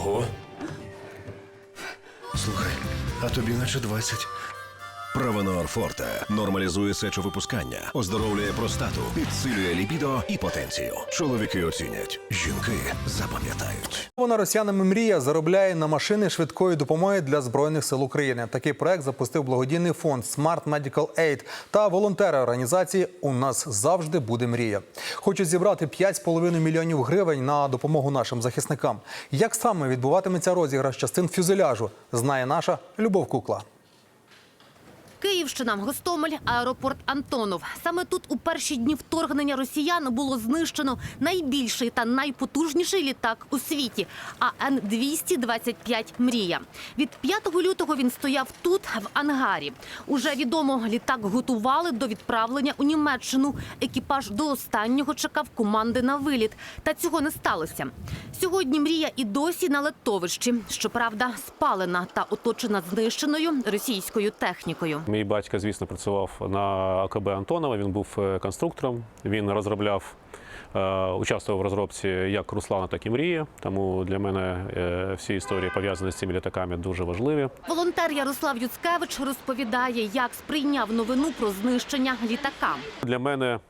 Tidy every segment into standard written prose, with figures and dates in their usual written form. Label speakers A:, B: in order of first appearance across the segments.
A: Ого. Слухай, а тобі наче 20.
B: Провенор Форте нормалізує сечовипускання, оздоровлює простату, підсилює лібідо і потенцію. Чоловіки оцінять, жінки запам'ятають.
C: Вона росіянами мрія заробляє на машини швидкої допомоги для Збройних сил України. Такий проект запустив благодійний фонд Smart Medical Aid та волонтери організації «У нас завжди буде мрія». Хочуть зібрати 5,5 мільйонів гривень на допомогу нашим захисникам. Як саме відбуватиметься розіграш частин фюзеляжу, знає наша Любов Кукла.
D: Київщина, Гостомель, аеропорт Антонов. Саме тут у перші дні вторгнення росіян було знищено найбільший та найпотужніший літак у світі – АН-225 «Мрія». Від 5 лютого він стояв тут, в ангарі. Уже відомо, літак готували до відправлення у Німеччину. Екіпаж до останнього чекав команди на виліт. Та цього не сталося. Сьогодні «Мрія» і досі на летовищі. Щоправда, спалена та оточена знищеною російською технікою.
E: Мій батько, звісно, працював на АКБ Антонова, він був конструктором, він розробляв, участвував в розробці як Руслана, так і Мрії, тому для мене всі історії, пов'язані з цими літаками, дуже важливі.
D: Волонтер Ярослав Юцкевич розповідає, як сприйняв новину про знищення літака.
E: Для мене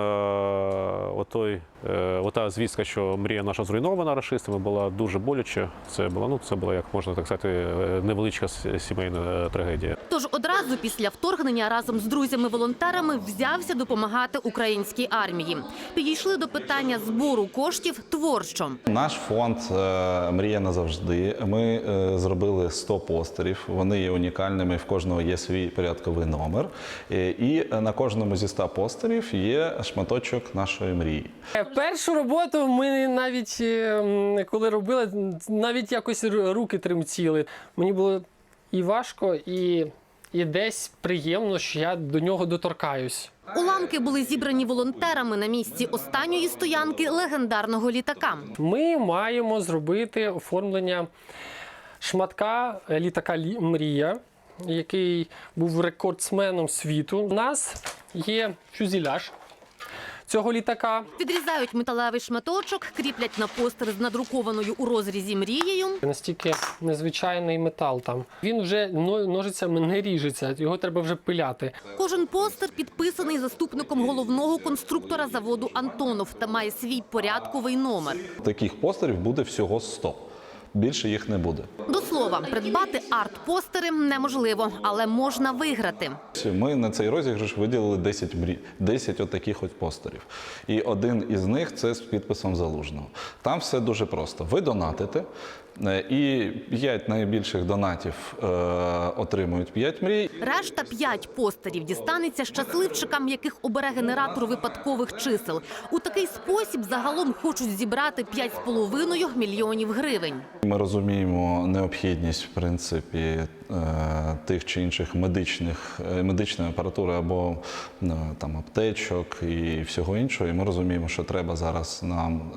E: ота звістка, що Мрія наша зруйнована рашистами, була дуже боляче. Це була, як можна так сказати, невеличка сімейна трагедія.
D: Тож одразу після вторгнення разом з друзями-волонтерами взявся допомагати українській армії. Підійшли до питання збору коштів творчо.
F: Наш фонд «Мрія назавжди». Ми зробили 100 постерів. Вони є унікальними, в кожного є свій порядковий номер. І на кожному зі 100 постерів є шматочок нашої мрії.
G: Першу роботу ми навіть, коли робили, навіть якось руки тремтіли. Мені було і важко, і десь приємно, що я до нього доторкаюсь.
D: Уламки були зібрані волонтерами на місці останньої стоянки легендарного літака.
G: Ми маємо зробити оформлення шматка літака «Мрія», який був рекордсменом світу. У нас є фюзеляж цього літака.
D: Відрізають металевий шматочок, кріплять на постер з надрукованою у розрізі мрією.
G: Настільки незвичайний метал там. Він вже ножицями не ріжеться, його треба вже пиляти.
D: Кожен постер підписаний заступником головного конструктора заводу «Антонов» та має свій порядковий номер.
F: Таких постерів буде всього 100. Більше їх не буде.
D: До слова, придбати арт-постери неможливо, але можна виграти.
F: Ми на цей розіграш виділили 10 отаких от постерів. І один із них – це з підписом Залужного. Там все дуже просто. Ви донатите, і 5 найбільших донатів отримують 5 мрій.
D: Решта 5 постерів дістанеться щасливчикам, яких обере генератор випадкових чисел. У такий спосіб загалом хочуть зібрати 5,5 мільйонів гривень.
F: Ми розуміємо необхідність, в принципі, тих чи інших медичної апаратури або там аптечок і всього іншого. І ми розуміємо, що треба зараз нам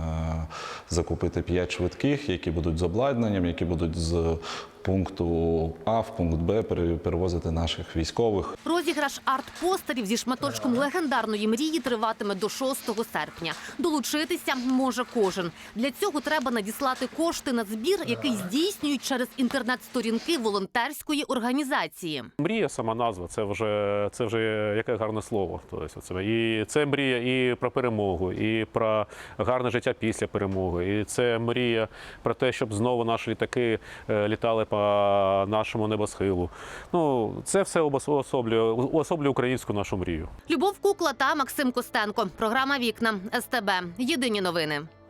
F: закупити 5 швидких, які будуть з обладнанням, які будуть з пункту А в пункт Б перевозити наших військових.
D: Розіграш арт-постерів зі шматочком легендарної мрії триватиме до 6 серпня. Долучитися може кожен. Для цього треба надіслати кошти на збір, який здійснюють через інтернет-сторінки волонтерської організації.
E: Мрія, сама назва, це вже яке гарне слово. Тобто, і це мрія і про перемогу, і про гарне життя після перемоги. І це мрія про те, щоб знову наші літаки літали по нашому небосхилу. Це все уособлює українську нашу мрію.
D: Любов Кукла та Максим Костенко. Програма «Вікна». СТБ. Єдині новини.